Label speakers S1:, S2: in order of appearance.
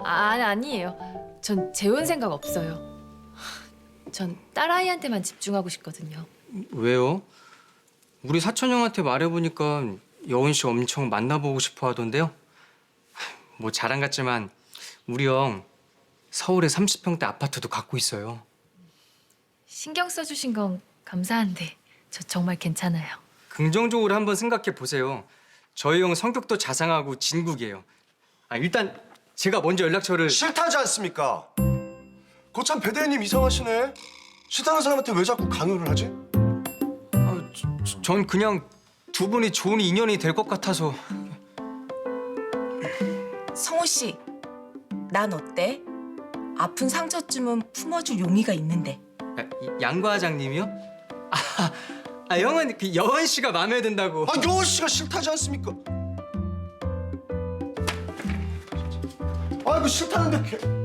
S1: 아니에요. 전 재혼 생각 없어요. 전 딸아이한테만 집중하고 싶거든요.
S2: 왜요? 우리 사촌 형한테 말해보니까 여운 씨 엄청 만나보고 싶어 하던데요. 뭐 자랑 같지만 우리 형 서울에 30평대 아파트도 갖고 있어요.
S1: 신경 써주신 건 감사한데 저 정말 괜찮아요.
S2: 긍정적으로 한번 생각해 보세요. 저희 형 성격도 자상하고 진국이에요. 일단 제가 먼저 연락처를...
S3: 싫다지 않습니까? 거참 배대리님 이상하시네. 싫다는 사람한테 왜 자꾸 간호를 하지?
S2: 전 그냥 두 분이 좋은 인연이 될 것 같아서.
S4: 성호 씨, 난 어때? 아픈 상처쯤은 품어줄 용의가 있는데.
S2: 양 과장님이요? 형은 그 여원 씨가 마음에 든다고.
S3: 여원 씨가 싫다지 않습니까? 그 싫다는데